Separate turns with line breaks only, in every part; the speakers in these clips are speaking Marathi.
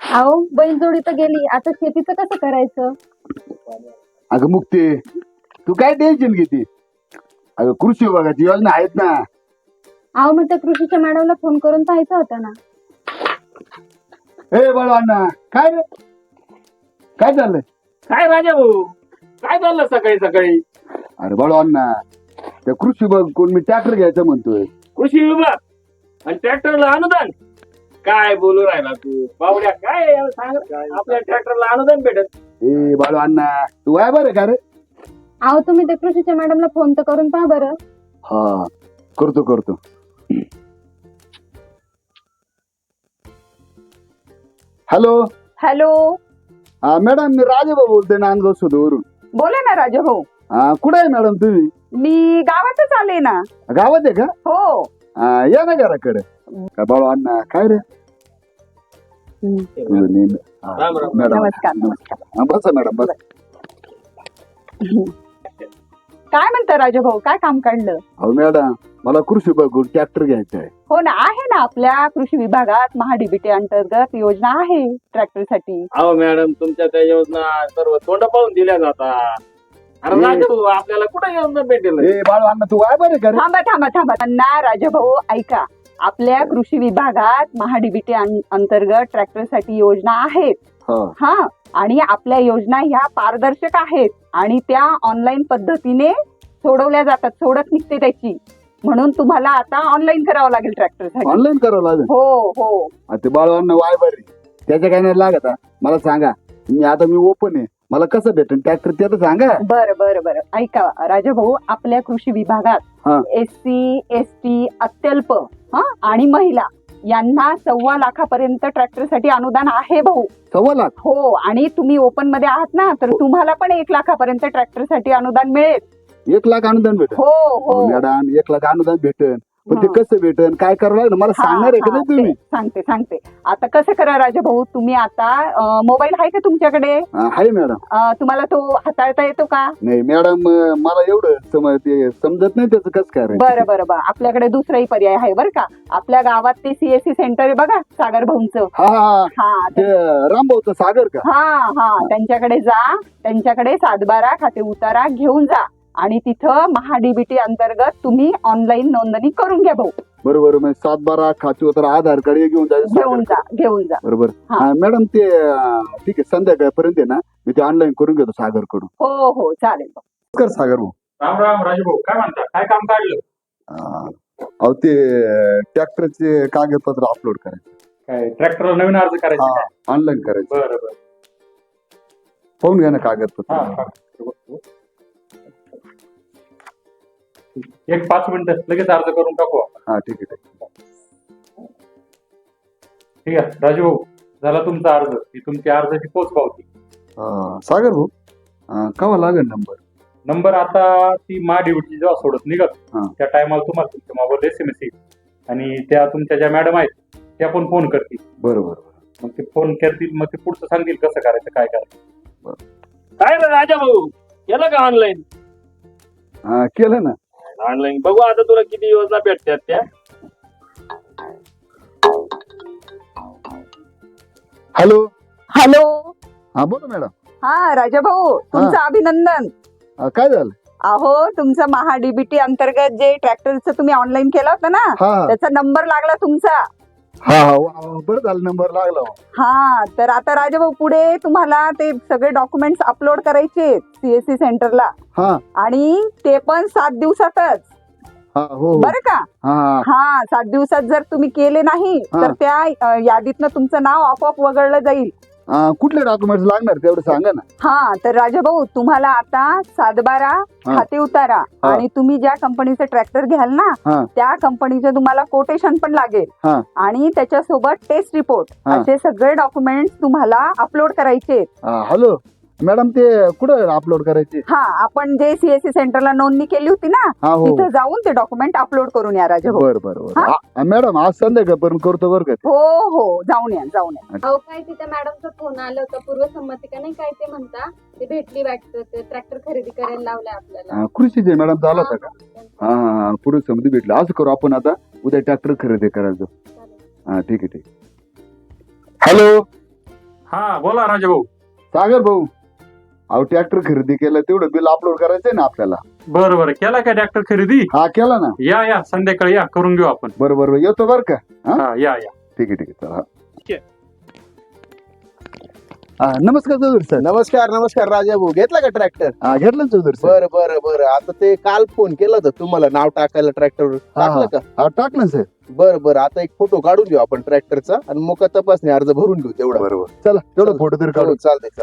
अहो बैलजोडी तर गेली, आता शेतीचं कसं करायचं?
अगं मुक्ती, तू काय टेन्शन घेते? अगं कृषी विभागाची योजना आहेत ना.
अहो मग त्या कृषीच्या मॅडमला फोन करून पाहायचं होतं ना.
ए बाळू अण्णा, काय रे, काय चाललंय?
काय राजा भाऊ, काय चाललं सकाळी सकाळी?
अरे बाळू अण्णा, त्या कृषी विभाग कोण मी ट्रॅक्टर घ्यायचं म्हणतोय.
कृषी विभाग आणि ट्रॅक्टरला अनुदान? काय बोलू राहिला तू बावड्या? काय आहे याला सांग, आपल्या ट्रॅक्टरला अनुदान भेटत?
ए बाळू अण्णा, तू आहे बरं का रे?
अहो तुम्ही त्या कृषीच्या मॅडमला फोन तर करून पहा बरं.
हा, करतो. हॅलो.
हॅलो,
हा मॅडम, मी राजेबा बोलतोय नांदगाव सुधवरून.
बोला ना राजा भाऊ.
हा, कुठे आहे मॅडम तुम्ही?
मी गावातच आले ना.
गावात आहे का?
हो.
या ना घराकडे. काय बाळू अण्णा, काय रे? हा,
राम राम.
मॅडम
नमस्कार.
हा, बसा मॅडम बसा.
काय म्हणता राजा भाऊ, काय काम काढलं?
हो मॅडम, मला कृषी विभागाकडून ट्रॅक्टर घ्यायचा आहे.
हो ना, आहे ना, आपल्या कृषी विभागात महाडीबीटी अंतर्गत योजना आहे ट्रॅक्टरसाठी.
अहो मॅडम, तुमच्या त्या योजना सर्व तोंड पाहून दिल्या जातात. अरे
ए.
राजा भाऊ, आपल्याला कुठे योजना भेटेल?
ए बाळू अण्णा, तू आहे बरं का रे?
थांबा त्यांना राजा भाऊ ऐका. आपल्या कृषी विभागात महाडीबीटी अंतर्गत ट्रॅक्टरसाठी योजना आहेत.
हा.
हा, आणि आपल्या योजना ह्या पारदर्शक आहेत आणि त्या ऑनलाईन पद्धतीने सोडत निघते त्याची. म्हणून तुम्हाला आता ऑनलाईन करावं लागेल ट्रॅक्टरसाठी.
ऑनलाईन करावं लागेल.
हो.
ते बाळू अण्णा वाय बरे, त्याच्या काय नाही लागत हा. मला सांगा, मी ओपन आहे, मला कसं भेटेल ट्रॅक्टर ते तर सांगा.
बरं ऐका राजा भाऊ, आपल्या कृषी
हा.
विभागात SC ST अत्यल्प आणि महिला यांना 1.25 लाखापर्यंत ट्रॅक्टरसाठी अनुदान आहे भाऊ.
1.25 लाख?
हो, आणि तुम्ही ओपन मध्ये आहात ना, तर तुम्हाला पण 1 लाखापर्यंत ट्रॅक्टरसाठी अनुदान मिळेल.
1 लाख अनुदान भेटेल?
हो.
मॅडम, 1 लाख अनुदान भेटेल, पण ते
हा.
कसं भेटेल, काय करावं लागेल मला सांगणार आहे का नाही तुम्ही?
सांगते. आता कसं करा राजा भाऊ, तुम्ही आता मोबाईल आहे का तुमच्याकडे?
आहे मॅडम.
तुम्हाला तो हाताळता येतो का?
नाही मॅडम, मला एवढं समजत नाही त्याचं कसं करायचं.
बरं. आपल्याकडे दुसराही पर्याय आहे बरं का. आपल्या गावात ते CSC सेंटर आहे बघा, सागर भाऊंचं.
हा, ते रामभाऊचं सागर का?
हा, त्यांच्याकडे जा. त्यांच्याकडे 7/12 खाते उतारा घेऊन जा आणि तिथं महाडीबीटी अंतर्गत तुम्ही ऑनलाईन नोंदणी करून घ्या भाऊ.
बरोबर. 7/12 खाते उतारा, आधार कार्ड घेऊन
घेऊन जा.
बरोबर.
हा.
मॅडम, ते ठीक आहे, संध्याकाळपर्यंत आहे ना, मी ते ऑनलाईन करून घेतो सागर कडून.
हो, चालेल.
कर सागर भाऊ.
राम राम राजू भाऊ, काय म्हणता? काय काम काढलं?
अहो, ते ट्रॅक्टरचे कागदपत्र अपलोड करायचे.
काय ट्रॅक्टरला नवीन अर्ज करायचा?
ऑनलाईन करायचं.
बरं.
पाहून घ्या ना कागदपत्र.
एक 5 मिनिटं लगेच अर्ज करून टाकू आपण.
हा, ठीक आहे.
ठीक आहे राजू भाऊ, झाला तुमचा अर्ज. ही तुमची अर्जाची पोच पावती.
सागर भाऊ, कवा लागेल
नंबर आता ती महाडीबीटी जेव्हा सोडत निघत
हा.
त्या टायमाला तुम्हाला तुमच्या मोबाईल SMS येईल आणि त्या तुमच्या ज्या मॅडम आहेत त्या पण फोन करतील.
बरोबर.
मग ते फोन करतील, मग ते पुढचं सांगतील कसं करायचं, काय करायचं.
बरं.
काय रे राजा भाऊ, केलं का ऑनलाईन?
केलं ना.
ऑनलाईन बघू आता तुला किती योजना भेटतात त्या.
हॅलो.
हॅलो.
बोला मॅडम.
हा राजा भाऊ, तुमचं अभिनंदन.
काय झालं?
अहो, तुमचं महाडीबीटी अंतर्गत जे ट्रॅक्टरचं तुम्ही ऑनलाईन केलं होतं ना,
हा.
त्याचा नंबर लागला तुमचा.
हा, बरं झालं, नंबर लागला.
हा, तर आता राजा भाऊ पुढे तुम्हाला ते सगळे डॉक्युमेंट्स अपलोड करायचे CSC सेंटरला.
हा.
आणि ते पण 7 दिवसातच.
हो.
बरं का? हा, 7 दिवसात जर तुम्ही केले नाही तर त्या यादीतनं तुमचं नाव आपोआप वगळलं जाईल.
कुठले डॉक्युमेंट्स लागणार तेवढं सांगा ना.
हा, तर राजा भाऊ, तुम्हाला आता 7/12 खाते उतारा आणि तुम्ही ज्या कंपनीचं ट्रॅक्टर घ्याल ना, त्या कंपनीचं तुम्हाला कोटेशन पण लागेल आणि त्याच्यासोबत टेस्ट रिपोर्ट, असे सगळे डॉक्युमेंट्स तुम्हाला अपलोड करायचे.
हॅलो मॅडम, ते कुठं अपलोड करायचे?
हा, आपण जे CSC सेंटरला नोंदणी केली होती ना, तिथं जाऊन ते डॉक्युमेंट अपलोड करून या राजा भाऊ.
बरं. मॅडम, आज संध्याकाळपर्यंत करतो बरं का.
हो, जाऊन या.
अहो, काय तिथे मॅडमचा फोन आला होता, पूर्वसंमती का नाही काय ते म्हणता, ते भेटली वाटतं, ते ट्रॅक्टर खरेदी करायला लावलाय आपल्याला.
कृषीचे मॅडम झाला होता का? हा, पूर्व समिती भेटली. असं करू आपण, आता उद्या ट्रॅक्टर खरेदी करायचं. हा, ठीक आहे. हॅलो.
हा बोला राजा भाऊ.
सागर भाऊ, अहो ट्रॅक्टर खरेदी केलं तेवढं बिल अपलोड करायचंय ना आपल्याला.
बरं बरं, केला का ट्रॅक्टर खरेदी?
हा केला ना.
या संध्याकाळी या, करून घेऊ आपण.
बरोबर येतो बर का.
हा या.
ठीक आहे चला. नमस्कार चौधरी सर.
नमस्कार राजा भाऊ, घेतला का ट्रॅक्टर?
घेतलं ना चौधरी सर.
बरं आता ते काल फोन केला होता तुम्हाला नाव टाकायला ट्रॅक्टर टाकलं का?
टाकलं सर.
बरं आता एक फोटो काढून घेऊ आपण ट्रॅक्टरचा आणि मग तपासणी अर्ज भरून घेऊ तेवढा.
बरोबर चला तेवढं फोटो तरी काढू.
चालतंय.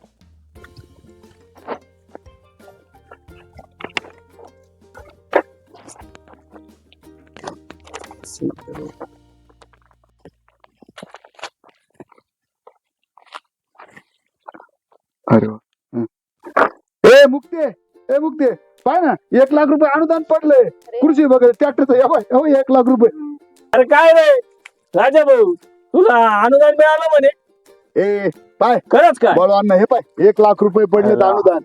अरे वा. ए मुक्ते पाय ना 1 लाख रुपये अनुदान पडलंय कृषी वगैरे ट्रॅक्टरचं. 1 लाख रुपये.
अरे काय रे राजा भाऊ, तुला अनुदान मिळालं म्हणे?
ए पाय
खरंच काय?
बोलवा ना, हे पाय 1 लाख रुपये पडले अनुदान.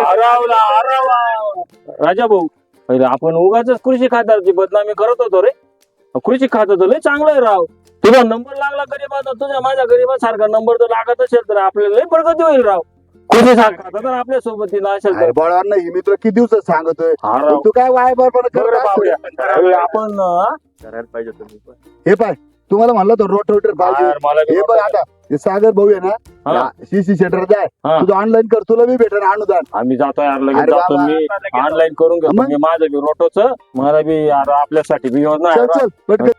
राजा भाऊ, पहिले आपण उगाच कृषी खात्याची बदनामी करत होतो रे. कृषी खातं तर लय चांगलं आहे राव. तुझा नंबर लागला गरीबाचा, तुझ्या माझ्या गरीबासारखा नंबर जर लागत असेल तर आपल्याला लय प्रगती होईल राव. कृषी खातं तर आपल्या सोबतीला असेल तर.
बोलवा ना, ही मी तुला किती दिवसात सांगतोय.
हा राव.
तू काय वाय बरोबर
आपण करायला पाहिजे तुम्ही पण.
हे पाय तुम्हाला म्हणलं तर रोटर पाहिजे.
मला
हे बघ आता हे सागर भाऊ आहे ना, सीसी सेंटर जाय,
हा.
तुझं ऑनलाईन कर, तुला बी भेटेल अनुदान.
आम्ही जातो यार, लगेच
अरे
जातो.
बाबा.
मी ऑनलाईन करून घेतो.
मग?
मी माझं बी रोटोच, मला बी यार आपल्यासाठी बी योजना आहे.
चल पटकन.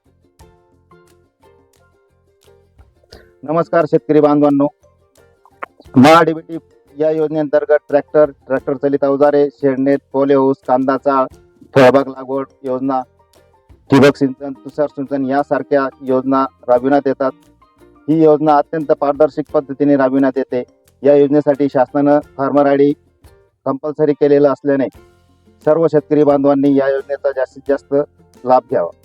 नमस्कार शेतकरी बांधवांनो, महाडीबीटी या योजनेअंतर्गत ट्रॅक्टर चलित अवजारे, शेडनेट, पोले हाऊस, कांदाचा फळबाग लागवड योजना, ठिबक सिंचन, तुषार सिंचन यासारख्या योजना राबविण्यात येतात. ही योजना अत्यंत पारदर्शक पद्धतीने राबविण्यात येते. या योजनेसाठी शासनानं फार्मर आयडी कंपल्सरी केलेलं असल्याने सर्व शेतकरी बांधवांनी या योजनेचा जास्तीत जास्त लाभ घ्यावा.